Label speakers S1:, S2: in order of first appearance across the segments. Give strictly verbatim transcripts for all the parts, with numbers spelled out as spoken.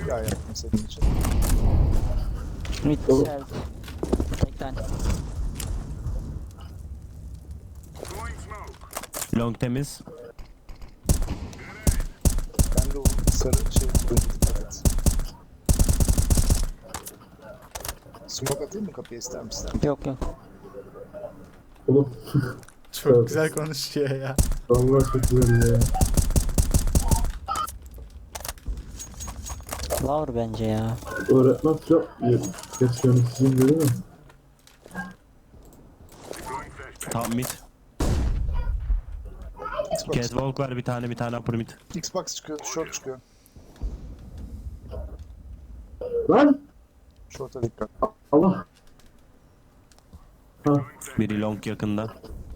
S1: Bir ay yaptım senin için.
S2: Mid geldi. Tek tane.
S3: Long temiz.
S1: Ben de o sarı şey turuncu dikkat et. Smoke atayım mı kapıya ister misin?
S2: Yok yok.
S4: Oğlum.
S5: Çok güzel konuşuyor ya.
S4: Vallahi çok güzel ya.
S2: Lower bence ya.
S4: Öğretmen çok geç yöneticiyim dedi mi?
S3: Tam mid.
S1: Xbox,
S3: Catwalk var bir tane bir tane upper mid.
S1: Xbox çıkıyor, short çıkıyor.
S4: Lan!
S1: Short'a dikkat.
S4: Allah! Ha,
S3: Biri long yakında.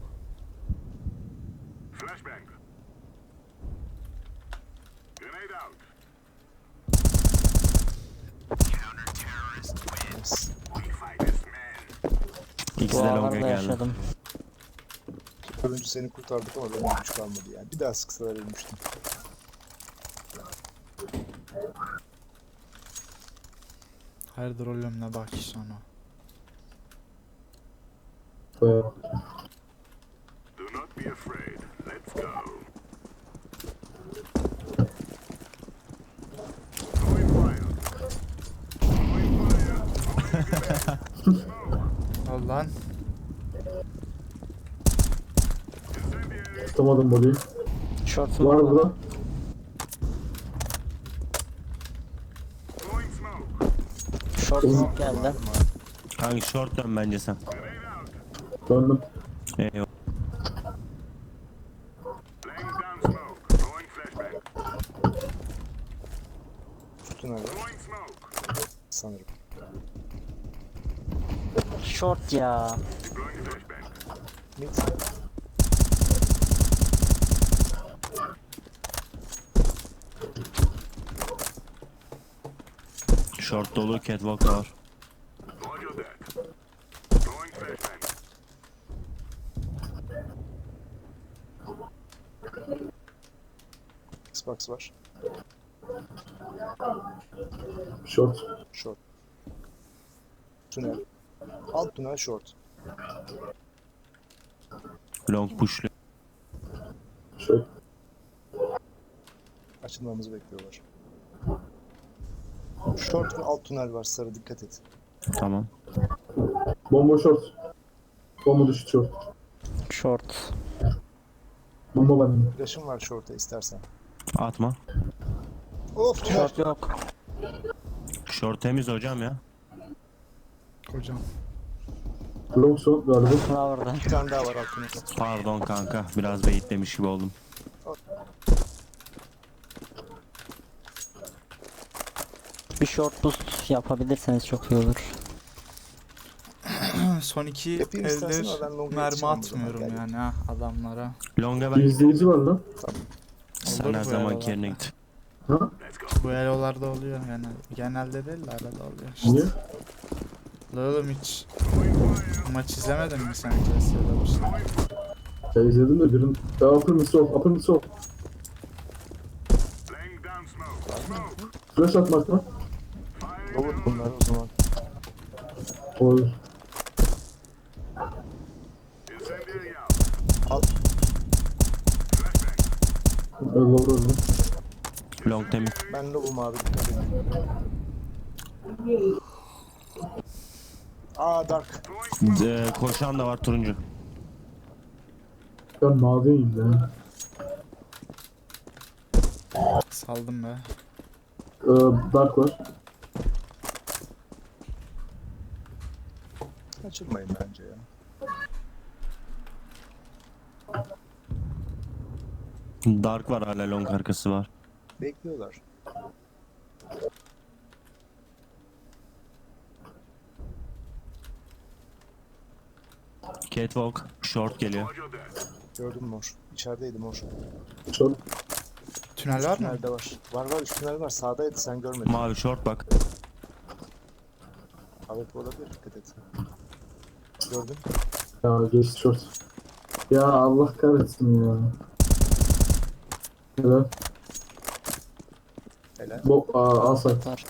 S3: İkisi de long'a
S2: Dualarla
S3: geldi.
S2: yaşadım.
S1: Turuncu seni kurtardık ama benim güç kalmadı yani. Bir daha sıksalar ölmüştüm.
S5: Hayırdır oğlum ne bak sonra.
S4: be.
S5: Al lan.
S4: Tutamadım body'yi.
S2: Short
S4: Var
S2: smoke.
S4: burada.
S2: Short smoke geldi.
S3: Kanka short dön bence sen.
S4: Döndüm.
S3: Eyvallah.
S1: Tünel var. Sanırım.
S2: Short ya.
S1: Mid.
S3: Short dolu catwalk var.
S1: Xbox var.
S4: Short.
S1: Short. Tünel. Alt tünel short.
S3: Long pushlu.
S4: Short.
S1: Açılmamızı bekliyorlar. Short ve alt tünel var sarı dikkat et.
S3: Tamam.
S4: Bomba short. Bomba düştü short.
S2: Short.
S4: Bomba benim.
S1: Flash'ım var short'a istersen.
S3: Atma.
S1: Of tünel.
S2: Short yok.
S3: Short temiz hocam ya.
S5: Hocam.
S4: Long short galiba.
S2: Lower'da.
S1: Bir tane daha var alt tünel.
S3: Pardon kanka. Biraz beyitlemiş gibi oldum.
S2: Bir short boost yapabilirseniz çok iyi olur.
S5: Son iki
S1: Yapayım istersen
S5: eldir
S1: ama ben longa
S5: mermi
S1: yetişemem o zaman,
S5: atmıyorum
S1: gel.
S5: yani ha adamlara.
S3: Long'a
S4: Bir
S3: ben.
S4: izleyici var lan.
S3: Sen
S5: Olur
S3: her
S5: bu
S3: zaman
S5: aralarda.
S3: yerine git.
S4: Ha?
S5: Bu elolarda oluyor yani. Genelde değil de arada oluyor işte.
S4: Niye?
S5: La oğlum hiç maç izlemedin mi sen Clasya'da bir şey?
S4: Ya izledim de birin. Ya upper mid sol. Upper mid sol. Flash atmak mı?
S1: Olur bunlar o zaman.
S4: Olur.
S1: Alt.
S4: Öyle öyle.
S3: Long temiz.
S1: Ben lobum abi dikkat edin. Aa dark.
S3: Ee, koşan da var turuncu.
S4: Ben maviyim ya.
S5: Saldım be.
S4: Ee, dark var.
S1: Kaçırmayın bence ya.
S3: Dark var hala long arkası var.
S1: Bekliyorlar.
S3: Catwalk. Short geliyor.
S1: Gördüm mor. İçerideydi mor.
S4: Short.
S5: Tünel var mı?
S1: Tünelde var. Var var üst tünel var. Sağdaydı sen görmedin.
S3: Mavi short bak.
S1: Evet olabilir dikkat et. Gördün.
S4: Ya geçti short. Ya Allah kahretsin ya. Evet.
S1: Helal. Helal.
S4: Bo aa, A site.
S2: Var.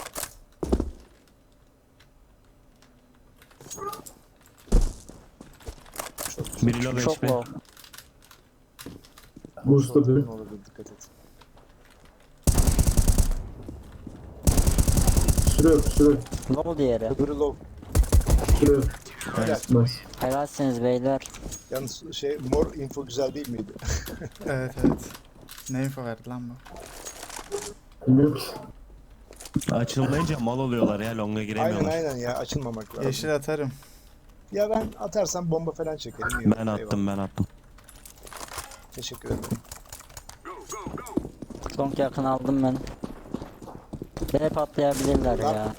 S3: Biri low
S2: Çok
S3: H P.
S2: low.
S4: Boost'ta
S1: Short'un
S4: biri.
S1: olabilir, dikkat et.
S4: Sürüyor sürüyor.
S2: Low diğeri.
S1: Öbürü low.
S4: Sürüyor.
S1: Helal.
S4: Nice.
S2: Helalsiniz beyler.
S1: Yalnız şey mor info güzel değil miydi?
S5: Evet evet. Ne info verdi lan bu?
S4: Bilmiyorum ki.
S3: Açılmayınca mal oluyorlar ya, longa
S1: Aynen
S3: giremiyorlar.
S1: aynen ya, açılmamak lazım.
S5: Yeşil atarım.
S1: Ya ben atarsam bomba falan çekerim. iyi olur,
S3: Ben attım
S1: eyvallah.
S3: ben attım.
S1: Teşekkür ederim.
S2: Long yakın aldım ben. Beni patlayabilirler ya.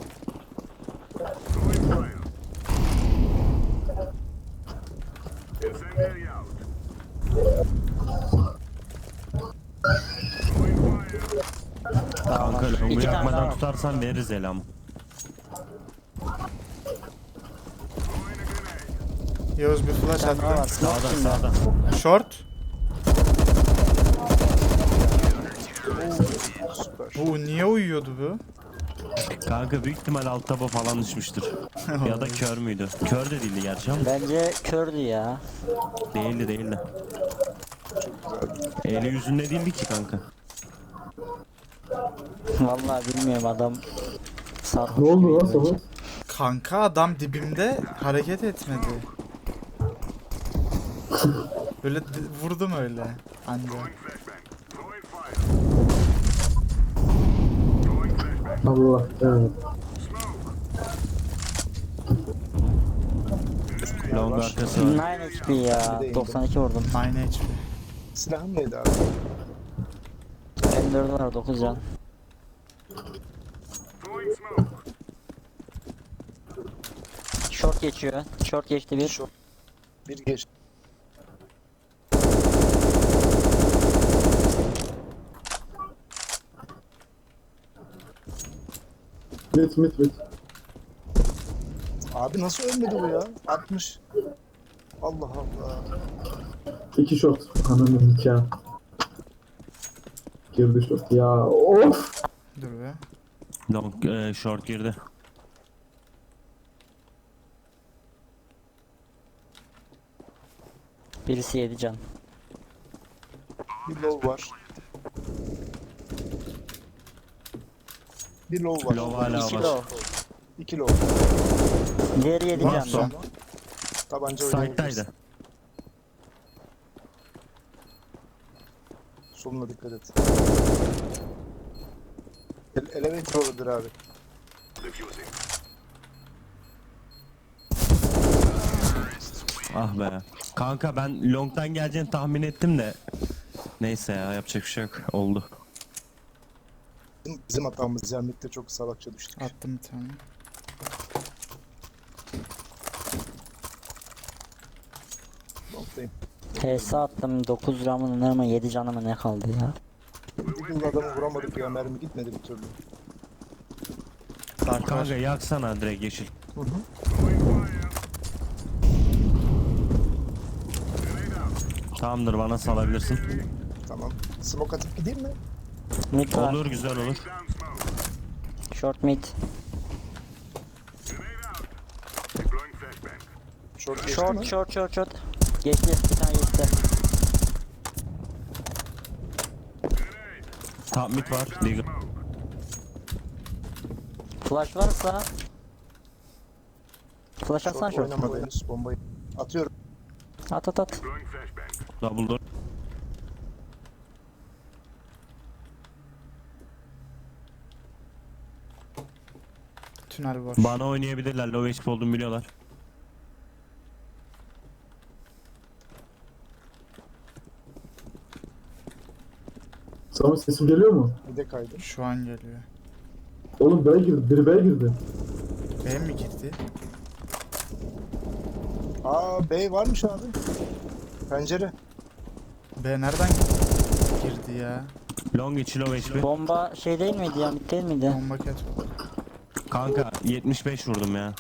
S2: Tamam.
S3: Kanka longu
S2: İki tane
S3: yakmadan
S2: daha.
S3: tutarsan veririz elam.
S5: Yavuz bir flash
S2: Bir tane daha var.
S5: attı.
S2: Smoke
S3: Sağda
S2: kimde?
S3: sağda.
S5: Short.
S1: Süper.
S5: Oo niye uyuyordu bu?
S3: Kanka büyük ihtimal alt taba falan düşmüştür. Ya da kör müydü? Kör de değildi gerçi ama.
S2: Bence kördü ya.
S3: Değildi değildi. Eli yüzünde değildi ki kanka.
S2: Vallahi bilmiyorum adam. Sarhoş
S4: Ne oldu
S2: gibiydi
S4: lan
S2: bence.
S4: sana?
S5: Kanka adam dibimde hareket etmedi. Böyle d- vurdum öyle. Anca.
S4: Allah. Evet.
S3: Long
S1: var.
S3: arkası var.
S2: dokuz H P ya.
S1: Bir de
S2: doksan iki vurdum.
S5: dokuz H P.
S1: Silahım neydi abi?
S2: M dört var dokuz can. Short geçiyor. Short geçti bir.
S1: Şu bir geç.
S4: Mit mit mit.
S1: Abi nasıl ölmedi bu ya? altmış. Allah Allah.
S4: İki short. Ananı nikah. Girdi short. Ya of.
S5: Dur be.
S3: Long e, short girdi.
S2: Birisi yedi can.
S1: Bir low var. Bir low var.
S3: Low hala
S2: İki
S3: var.
S2: low.
S1: İki low.
S2: Diğeri yedi
S1: Var
S2: can.
S1: sonra. Tabanca oynayabilirsin.
S3: Side'daydı.
S1: Soluna dikkat et. Ele elevator olabilir abi.
S3: Ah be. Kanka ben long'dan geleceğini tahmin ettim de. Neyse ya, yapacak bir şey yok. Oldu.
S1: Bizim, bizim hatamız yani ligde çok salakça düştük.
S5: Attım bir tane.
S1: Long'dayım.
S2: T S attım dokuz ramın ama yedi canıma ne kaldı ya.
S1: Deagle'la adamı vuramadık ya, mermi gitmedi bir türlü.
S5: Dark var.
S3: Kanka yaksana direkt yeşil.
S1: Hı hı.
S3: Tamamdır, bana salabilirsin.
S1: Tamam. Smoke atıp gideyim mi?
S2: Mid var.
S3: Olur, güzel olur.
S2: Short mid.
S1: Short geçti
S2: Short
S1: mi?
S2: short short short. Geçti bir tane geçti.
S3: Top mid var. Deagle.
S2: Flash varsa. Flash atsan
S1: Short
S2: short.
S1: oynamadı henüz, bombayı. Atıyorum.
S2: At at at.
S3: Double door.
S5: Tünel boş.
S3: Bana oynayabilirler. Low H P olduğumu biliyorlar.
S4: Sana sesim geliyor mu?
S1: Bir de kaydı.
S5: Şu an geliyor.
S4: Oğlum B'ye girdi. Biri B'ye girdi.
S5: B mi girdi?
S1: Aa, B varmış abi. Pencere.
S5: B nereden girdi ya?
S3: Long içi low H P.
S2: Bomba şey değil miydi ya? Mid değil miydi?
S5: Bomba cat.
S3: Kanka yetmiş beş vurdum ya.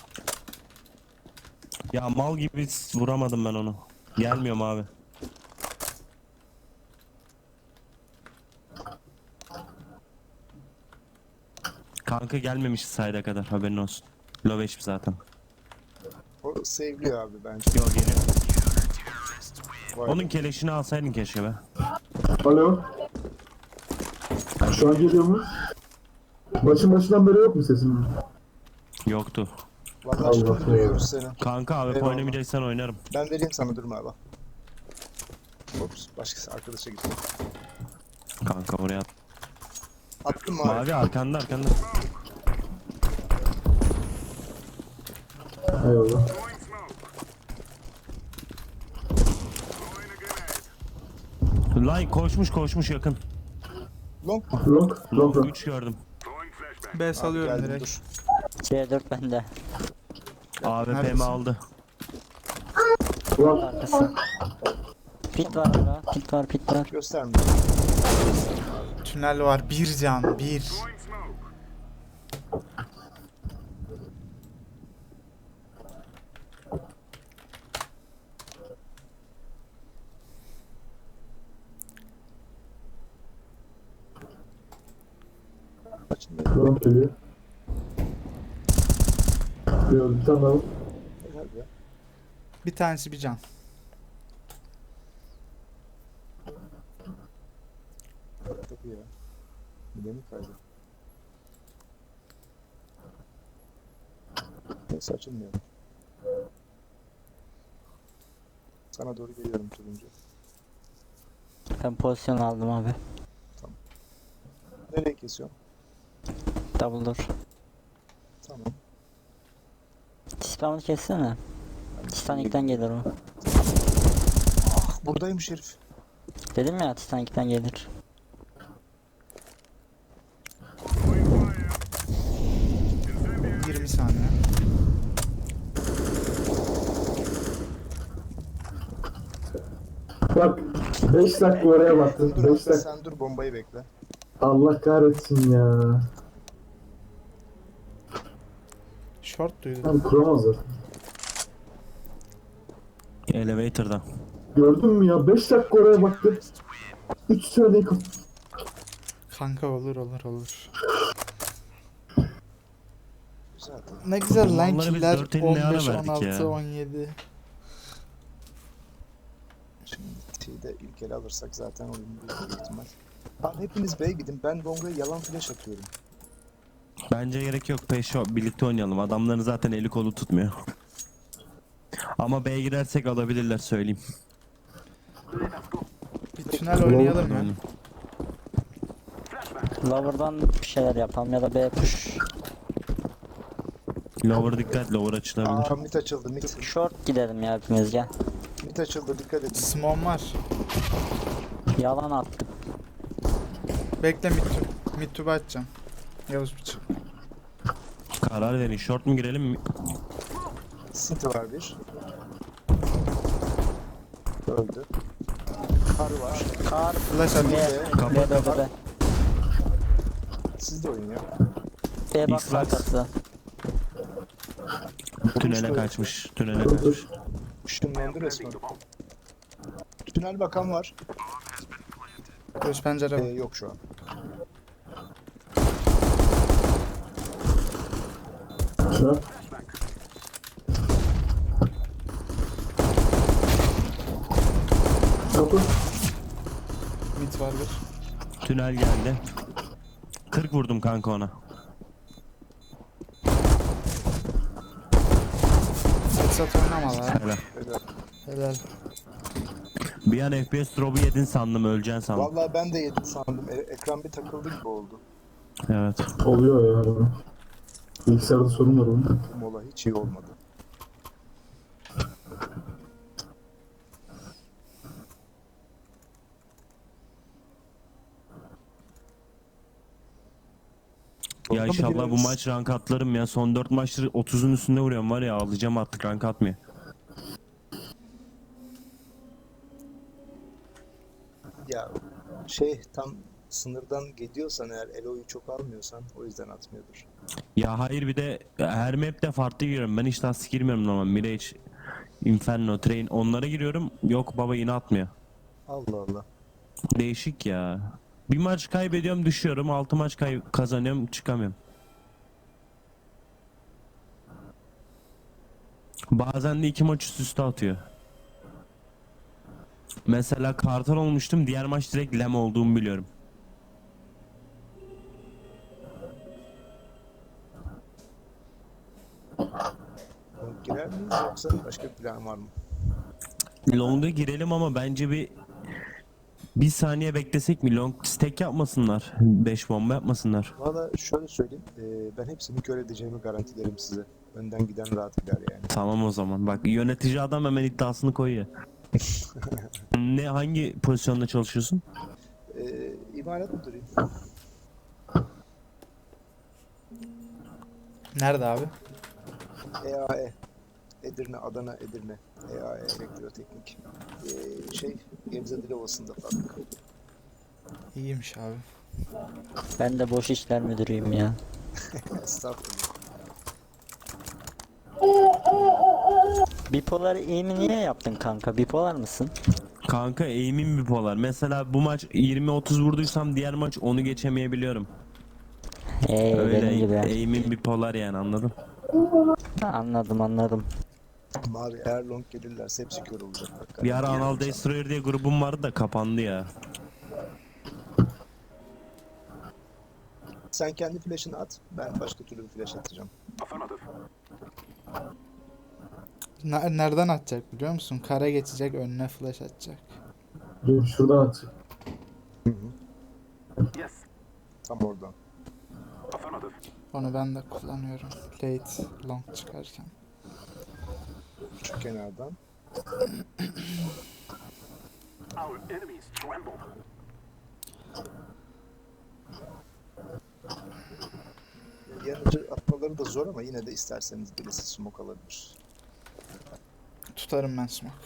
S3: Ya mal gibi vuramadım ben onu. Gelmiyorum abi. Kanka gelmemiş sayda kadar, haberin olsun. Low H P zaten.
S1: O sevliyor abi bence.
S3: Yo, geliyor.
S1: Vay
S3: Onun
S1: be.
S3: keleşini alsaydın keşke be.
S4: Alo. Şu an geliyor mu? Başın başından beri yok mu sesim?
S3: Yoktu.
S1: Vallahi
S4: Allah
S1: şimdi
S4: Allah.
S1: duyuyoruz seni.
S3: Kanka abi
S1: Eyvallah.
S3: oynamayacaksan oynarım.
S1: Ben vereyim sana, durma abi. Ops, başkası arkadaşa gitti.
S3: Kanka oraya at.
S1: Attım mı abi?
S3: Mavi arkanda arkanda.
S4: Eyvallah.
S3: Line koşmuş koşmuş yakın.
S1: Long mu?
S4: Long, long, long.
S3: üç gördüm.
S5: B
S1: Abi
S5: salıyorum
S1: geldim,
S5: direkt.
S1: dur.
S2: C dört bende.
S3: A W P
S5: Neredesin?
S3: mi aldı?
S4: Long.
S2: Arkası. Pit var burada. Pit var pit var.
S1: Gösterme.
S5: Tünel var. Bir can. Bir.
S1: Açın.
S4: Long geliyor. Geliyor, bir tane daha var.
S1: Helal ya.
S5: Bir tanesi bir can.
S1: Tabii ya. Bir de mi kaydı? Neyse, açılmıyor. Sana doğru geliyorum turuncu.
S2: Ben pozisyon aldım abi.
S1: Nereye kesiyorsun?
S2: Double door.
S1: Tamam.
S2: Titan'ı kessene. Titanic'ten gelir o.
S1: Ah, buradaymış herif.
S2: Dedim ya Titanic'ten gelir.
S5: yirmi saniye.
S4: Bak, beş dakika oraya baktın.
S1: Dur
S4: beş
S1: abi,
S4: dakika.
S1: sen dur, bombayı bekle.
S4: Allah kahretsin ya.
S5: Short duydum.
S4: Tam kuramazlar.
S3: Elevator'da.
S4: Gördün mü ya? beş dakika oraya baktı. üç saniye kap.
S5: Kanka olur olur olur.
S1: Güzel.
S5: Ne güzel lan
S3: Bunları biz
S5: killer.
S3: dört elli ne ara
S5: on beş,
S3: verdik
S5: on altı,
S3: ya?
S5: on yedi.
S1: Şimdi T'yi de ilk ele alırsak zaten oyun büyük ihtimal. Abi hepiniz B'ye gidin. Ben Long'a yalan flash atıyorum.
S3: Bence gerek yok, peşo birlikte oynayalım. Adamların zaten eli kolu tutmuyor. Ama B'ye girersek alabilirler, söyleyeyim.
S5: Bir tünel oynayalım ya.
S3: Oynayalım.
S2: Lower'dan bir şeyler yapalım ya da B push.
S3: Lower dikkat, lower açılabilir.
S1: Aa, mid açıldı, mid.
S2: Short gidelim ya hepimiz gel.
S1: Mid açıldı, dikkat edin.
S5: Smon var.
S2: Yalan attık.
S5: Bekle mid to, mid to atacağım. Yavuz bıçak.
S3: Karar verin, short mu girelim mi?
S1: City var bir. Öldü. Kar var.
S2: Kar
S5: Flash at.
S2: B.
S1: B.
S2: B B B.
S1: Siz de oynayın ya.
S2: B box
S3: X-Box.
S2: arkası.
S3: Tünele kaçmış, tünele kaçmış.
S1: Işınlandı resmen. Tünel bakan var.
S5: Göz pencere
S1: Ee,
S5: var.
S1: yok şu an.
S4: Şu an. Kapı.
S5: Mid var bir.
S3: Tünel geldi. kırk vurdum kanka ona.
S5: Headshot oynama lan.
S3: Helal.
S1: Öyle.
S5: Helal.
S3: Bir an F P S drop'u yedin sandım, öleceksin sandım.
S1: Vallahi ben de yedim sandım. E- ekran bir takıldı gibi oldu.
S3: Evet.
S4: Oluyor ya. Bilgisayarda sorun var onun.
S1: Mola hiç iyi olmadı.
S3: Ya
S1: Orada mı
S3: inşallah bu
S1: gireriz?
S3: maç rank atlarım ya. Son dört maçtır otuzun üstünde vuruyorum var ya, ağlayacağım artık, rank atmıyor.
S1: Ya şey, tam sınırdan gidiyorsan eğer, Elo'yu çok almıyorsan o yüzden atmıyordur.
S3: Ya hayır, bir de her map'te farklı giriyorum. Ben hiç lastik girmiyorum normal. Mirage, Inferno, Train, onlara giriyorum. Yok baba, yine atmıyor.
S1: Allah Allah.
S3: Değişik ya. Bir maç kaybediyorum, düşüyorum. Altı maç kay kazanıyorum, çıkamıyorum. Bazen de iki maç üst üste atıyor. Mesela Kartal olmuştum, diğer maç direkt Lem olduğumu biliyorum.
S1: Long girer miyiz yoksa başka bir plan var mı?
S3: Long'a girelim ama bence bir bir saniye beklesek mi? Long stack yapmasınlar. beş bomba yapmasınlar.
S1: Valla şöyle söyleyeyim. E, ben hepsini kör edeceğimi garantilerim size. Önden giden rahat gider yani.
S3: Tamam o zaman. Bak yönetici adam hemen iddiasını koyuyor. Ne hangi pozisyonda çalışıyorsun?
S1: E, imalat müdürüyüm.
S5: Nerede abi?
S1: E A E. Edirne, Adana, Edirne. E A E Elektroteknik. E, şey, Gebze Dilovası'nda fabrika.
S5: İyiymiş abi.
S2: Ben de boş işler müdürüyüm ya.
S1: Estağfurullah.
S2: Bipolar aim'i niye yaptın kanka? Bipolar mısın?
S3: Kanka aim'im bipolar. Mesela bu maç yirmi otuz vurduysam diğer maç onu geçemeyebiliyorum.
S2: Hey
S3: Öyle
S2: benim gibi.
S3: aim'im bipolar yani, anladın?
S2: Anladım anladım.
S1: Mavi eğer long gelirlerse hepsi kör olacak. Bak,
S3: Bir ara
S1: garanti
S3: Anal
S1: veriyorum sana.
S3: Destroyer diye grubum vardı da kapandı ya.
S1: Sen kendi flash'ını at. Ben başka türlü bir flash atacağım.
S5: Ne- nereden atacak biliyor musun? Kara geçecek, önüne flash atacak.
S4: Dur şuradan at.
S1: Tam oradan.
S5: Onu ben de kullanıyorum. Late long çıkarken.
S1: Şu kenardan. Yanıcı atmaları da zor ama yine de isterseniz birisi smoke alabilir.
S5: Tutarım ben smoke.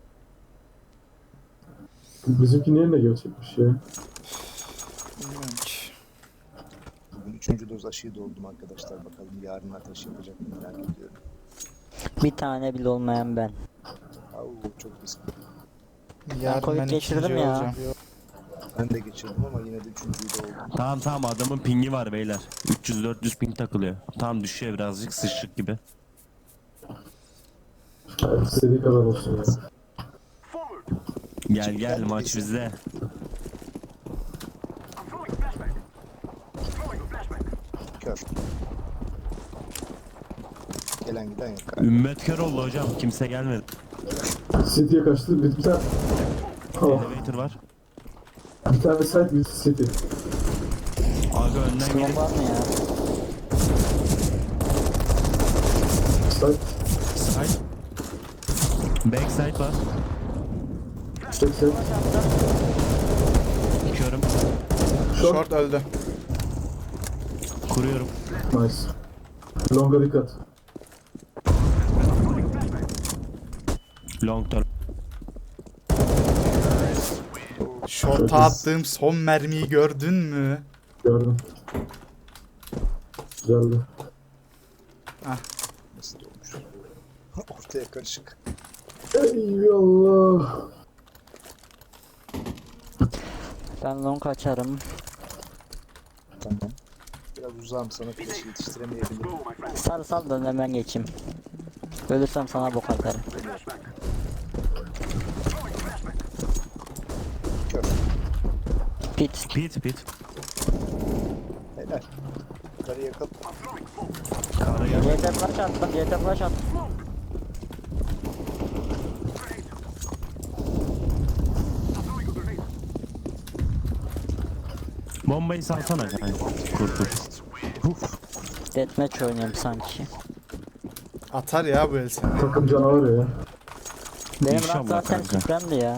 S4: Bizimki niye ne gerçekmiş ya?
S5: Bilmiyorum ki.
S1: Bugün üçüncü doz aşıyı doldum arkadaşlar. Bakalım yarın ateş yapacak mı merak ediyorum.
S2: Bir tane bile olmayan ben.
S1: Au çok riskli.
S5: Yarın
S2: Covid
S5: ben
S2: geçirdim
S5: ikinci
S2: ya.
S5: olacağım.
S1: Ben de geçirdim ama yine de üçüncüyü de oldum.
S3: Tamam tamam, adamın pingi var beyler. üç yüz dört yüz ping takılıyor. Tamam, düşüyor birazcık, sıçtık gibi.
S4: Hayır, istediği kadar olsun ya.
S3: Gel gel, maç bizde.
S1: Kör. Gelen giden yok.
S3: Ümmet kör oldu hocam, kimse gelmedi.
S4: City'ye kaçtı. Bir, bir tane... Oh,
S3: Elevator var.
S4: bir tane site bir City.
S3: Aga önden
S2: Smoke
S3: gelin.
S2: var mı ya?
S4: Site.
S3: Side. Backside var.
S4: seksen.
S3: Körüm.
S4: Short.
S5: Short öldü.
S3: Kuruyorum.
S4: Nice. Long'a dikkat.
S3: Long term.
S5: Short'a attığım son mermiyi gördün mü?
S4: Gördüm. Güzeldi.
S1: Nasıl olmuş? Ortaya karışık.
S4: Eyvallah.
S2: Ben long açarım.
S1: Tamam. Biraz uzağım, sana flash yetiştiremeyebilirim.
S2: Sar sal da hemen geçeyim. Ölürsem sana bok atarım.
S1: Kör.
S2: Pit.
S3: Pit pit.
S1: Helal. Yukarı yakal.
S3: Kara gel.
S2: C T flash attım. C T flash attım.
S3: Bombayı salsana kanka. Kur kur.
S2: Deathmatch oynuyorum sanki.
S5: Atar ya bu el seni.
S4: Takım canavarı ya.
S2: Benim
S3: İnşallah
S2: rank zaten
S3: kanka.
S2: süpremdi ya.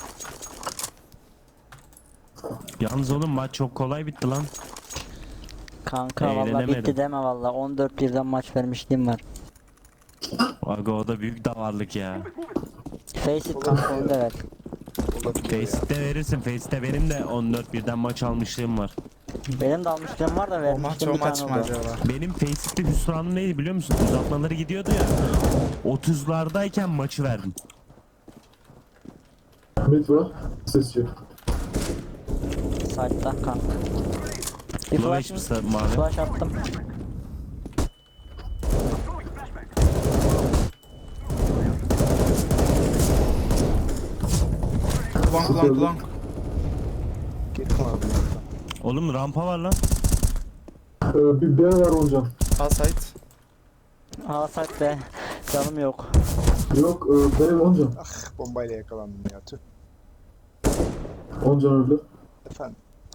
S3: Yalnız oğlum maç çok kolay bitti lan.
S2: Kanka valla
S3: Eğlenemedim.
S2: bitti deme valla. on dört birden maç vermişliğim var.
S3: Aga o da büyük davarlık ya.
S2: Face it kanka onu da ver.
S1: Olabiliyor ya.
S3: Face'te verirsin. Face'te benim de on dört birden maç almışlığım var.
S2: Benim de almışlığım var da
S5: O maç
S2: vermiştim
S5: o
S2: bir
S5: maç
S2: tane
S5: mı
S2: oldu.
S5: acaba?
S3: Benim Face'te hüsranım neydi biliyor musun? Uzatmaları gidiyordu ya. otuzlardayken maçı verdim.
S4: Mid var. Ses yok.
S2: Side'da kanka. Bir
S3: Low
S2: flash,
S3: H P mavi.
S2: flash attım.
S5: Long long long long.
S1: Geri mi abi?
S3: Oğlum rampa var lan.
S4: Ee, bir B var Oncan.
S5: Al site.
S2: Alsak be. Canım yok.
S4: Yok e, B Oncan.
S1: Ah, bombayla yakalandım ya, tüh.
S4: Oncan öldü.
S1: Efendim.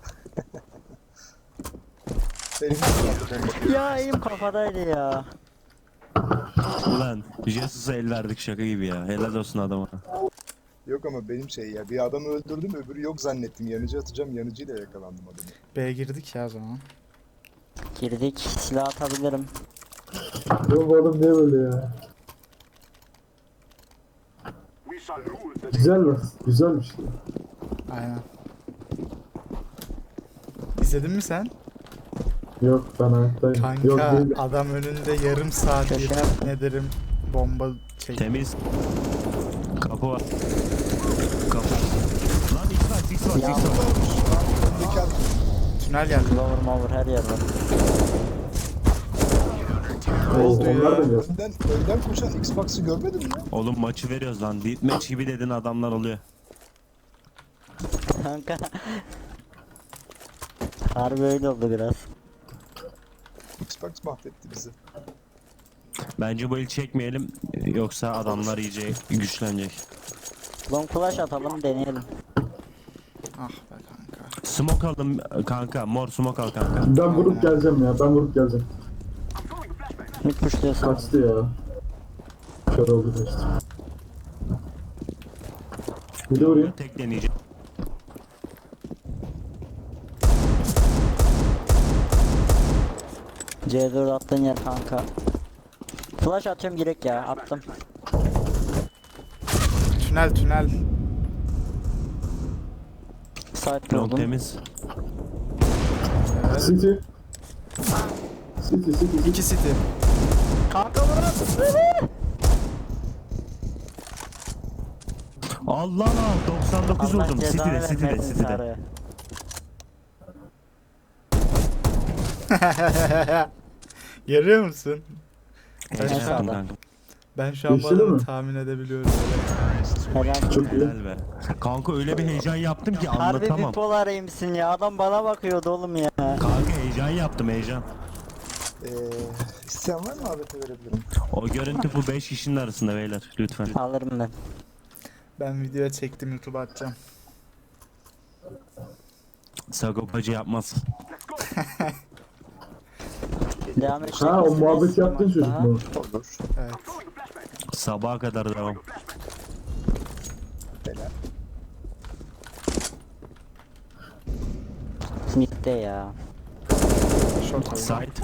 S1: Benim bomba.
S2: Ya elim kafadaydı ya.
S3: Ulan Jesus'a el verdik şaka gibi ya. Helal olsun adama.
S1: Yok ama benim şey ya, bir adamı öldürdüm, öbürü yok zannettim. Yanıcı atacağım, yanıcıyla yakalandım adamı.
S5: B'ye girdik ya o zaman.
S2: Girdik. Silah atabilirim.
S4: Ya bu adam niye böyle ya? Güzel lan. Güzelmiş ya.
S5: Aynen. İzledin mi sen?
S4: Yok ben ayaktayım. Yok
S5: Kanka
S4: değil.
S5: adam önünde yarım saat
S2: Köşene-
S5: yemin ederim bomba çekti.
S3: Temiz. Kapı var. Kapı. Lan X-Box, X-Box,
S2: Ya.
S3: X-Box.
S1: Öndeki adam.
S5: Tünel geldi.
S2: Lower mover her yer var.
S5: Ne oldu
S4: Onlar
S5: ya?
S4: da geliyor.
S1: Önden, önden koşan Xbox'ı görmedin mi?
S3: Oğlum maçı veriyoruz lan. Deathmatch gibi dedin adamlar oluyor.
S2: Kanka. Harbi öyle oldu biraz.
S1: Xbox mahvetti bizi.
S3: Bence bu el çekmeyelim. Yoksa adamlar iyice güçlenecek.
S2: Long flash atalım deneyelim.
S5: Ah be kanka.
S3: Smoke aldım kanka. Mor smoke al kanka.
S4: Ben vurup geleceğim ya. Ben vurup geleceğim.
S2: Mid pushluyorsan.
S4: Kaçtı ya. Kör oldu işte. Bir de vurayım.
S3: Tek deneyeceğim.
S2: C dört attığın yer kanka. Flash atıyorum direkt ya. Attım.
S5: Tünel tünel.
S2: Site
S3: Long
S2: buldum.
S3: temiz.
S5: Evet.
S4: City. City City City.
S5: İki city.
S2: Kanka burası.
S3: Allah Allah doksan dokuz
S2: Allah
S3: vurdum.
S2: ceza
S3: City'de, City'de,
S2: vermesin
S3: City'de.
S2: sarı.
S5: Görüyor musun?
S3: Helal
S2: Ben
S3: olsun
S2: sağda.
S3: kanka.
S5: Ben şu an bu
S4: Geçti
S5: adamı
S4: mi?
S5: tahmin edebiliyorum.
S2: Helal.
S4: Çok iyi.
S3: Helal be. Kanka öyle bir heyecan yaptım ki
S2: Harbi
S3: anlatamam.
S2: bipolar misin ya? Adam bana bakıyordu oğlum ya.
S3: Kanka heyecan yaptım heyecan.
S1: Ee, isteyen var mı A W P verebilirim?
S3: O görüntü bu beş kişinin arasında beyler lütfen.
S2: Alırım ben.
S5: Ben video çektim YouTube'a atacağım.
S3: Sagopacı yapmaz.
S2: Devam edecek
S4: Ha o
S2: misiniz?
S4: muhabbet yaptın çocuk
S2: Daha.
S4: mu?
S1: Olur.
S5: Evet.
S3: Sabaha kadar devam.
S1: Bela.
S2: Mid'de ya.
S5: Short oldu.
S3: Side.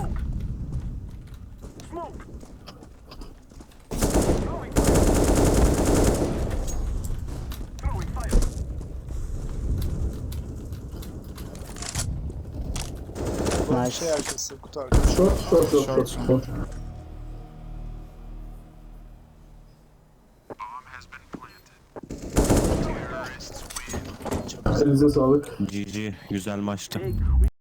S1: Nice.
S2: Nice.
S1: Şey arkası, kutu arkası.
S4: Short short short
S5: Short,
S4: short. short. Elinize sağlık.
S3: G G güzel maçtı.